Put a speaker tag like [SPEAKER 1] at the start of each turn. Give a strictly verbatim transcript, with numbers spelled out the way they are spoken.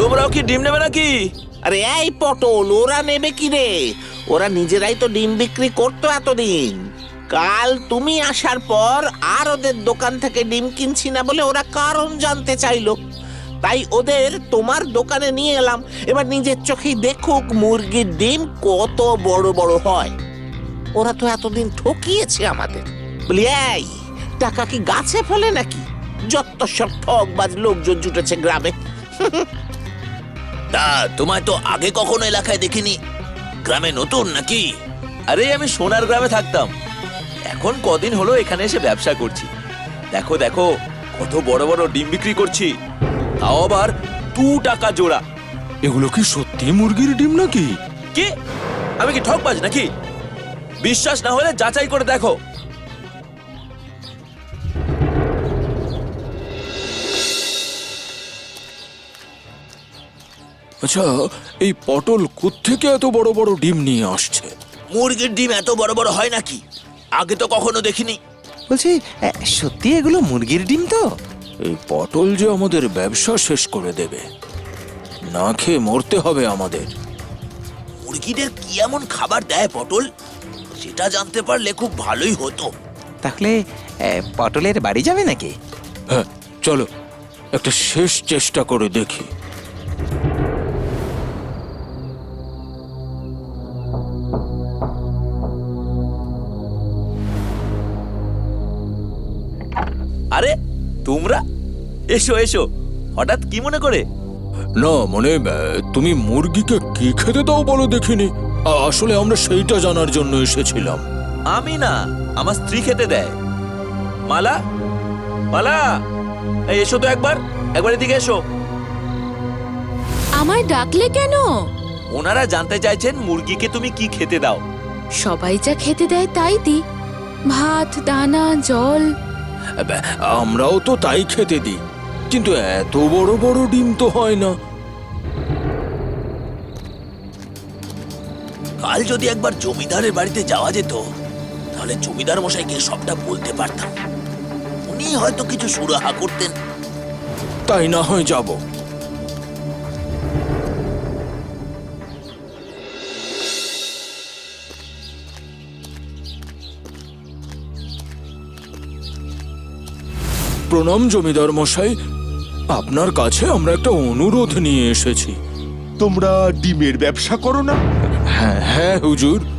[SPEAKER 1] তোমরাও কি ডিম নেবে নাকি?
[SPEAKER 2] আরে এই পটল, ওরা নেবে কি রে? ওরা নিজেরাই তো ডিম বিক্রি করতো এতদিন। কাল তুমি আসার পর আর ওদের দোকান থেকে ডিম কিনছি না বলে ওরা কারণ জানতে চাইলো, তাই ওদের তোমার দোকানে নিয়ে এলাম। এবার নিজের চোখেই দেখুক মুরগির ডিম কত বড় বড় হয়। ওরা তো এতদিন ঠকিয়েছে আমাদের। বলি এই, টাকা কি গাছে ফলে নাকি? যত সব ঠকবাজ লোকজন জুটেছে গ্রামে।
[SPEAKER 1] তা তোমায় তো আগে কখনো এলাকায় দেখিনি, গ্রামে নতুন নাকি? আরে আমি সোনার গ্রামে থাকতাম, এখন কদিন হলো এখানে এসে ব্যবসা করছি। দেখো দেখো কত বড় বড় ডিম বিক্রি করছি, তাও আবার দু টাকা জোড়া।
[SPEAKER 3] এগুলো কি সত্যি মুরগির ডিম নাকি?
[SPEAKER 1] কি আমি কি ঠকবাজ নাকি? বিশ্বাস না হলে যাচাই করে দেখো।
[SPEAKER 3] আচ্ছা, এই পটল কোত্থেকে এত বড় বড় ডিম নিয়ে আসছে?
[SPEAKER 1] মুরগির ডিম এত বড় বড় হয় নাকি? আগে তো কখনো দেখিনি।
[SPEAKER 4] বলছি, এ, সত্যি এগুলো মুরগির ডিম তো?
[SPEAKER 3] এই পটল যে আমাদের ব্যবসা শেষ করে দেবে, না খেয়ে মরতে হবে আমাদের।
[SPEAKER 1] মুরগিদের কি এমন খাবার দেয় পটল, সেটা জানতে পারলে খুব ভালোই হতো।
[SPEAKER 4] তাহলে এ, পটলের বাড়ি যাবে নাকি?
[SPEAKER 3] হ্যাঁ চলো, একটা শেষ চেষ্টা করে দেখি।
[SPEAKER 1] আরে তোমরা এসো এসো, হঠাৎ কি মনে করে?
[SPEAKER 3] না মানে আহ, তুমি মুরগিকে কি খেতে দাও বলো দেখিনি। আ- আসলে আমরা সেইটা জানার জন্য এসেছিলাম।
[SPEAKER 1] আমি না, আমার স্ত্রী খেতে দেয়। মালা, মালা, এই এসো তো একবার, একবার এদিকে এসো।
[SPEAKER 5] আমায় ডাকলে কেন?
[SPEAKER 1] ওনারা জানতে চাইছেন মুরগিকে তুমি কি খেতে দাও।
[SPEAKER 5] সবাই যা খেতে দেয় তাই দি, ভাত, দানা, জল।
[SPEAKER 3] আহ, আমরাও তো তাই খেতে দিই, কিন্তু এত বড় বড় ডিম তো হয় না।
[SPEAKER 1] কাল যদি একবার জমিদারের বাড়িতে যাওয়া যেত, তাহলে জমিদার মশাইকে সবটা বলতে পারতাম। উনি হয়তো কিছু সুরাহা করতেন।
[SPEAKER 3] তাই না হয় যাব। প্রণাম জমিদার মশাই, আপনার কাছে আমরা একটা অনুরোধ নিয়ে এসেছি।
[SPEAKER 6] তোমরা ডিমের ব্যবসা করো না?
[SPEAKER 3] হ্যাঁ হ্যাঁ হুজুর,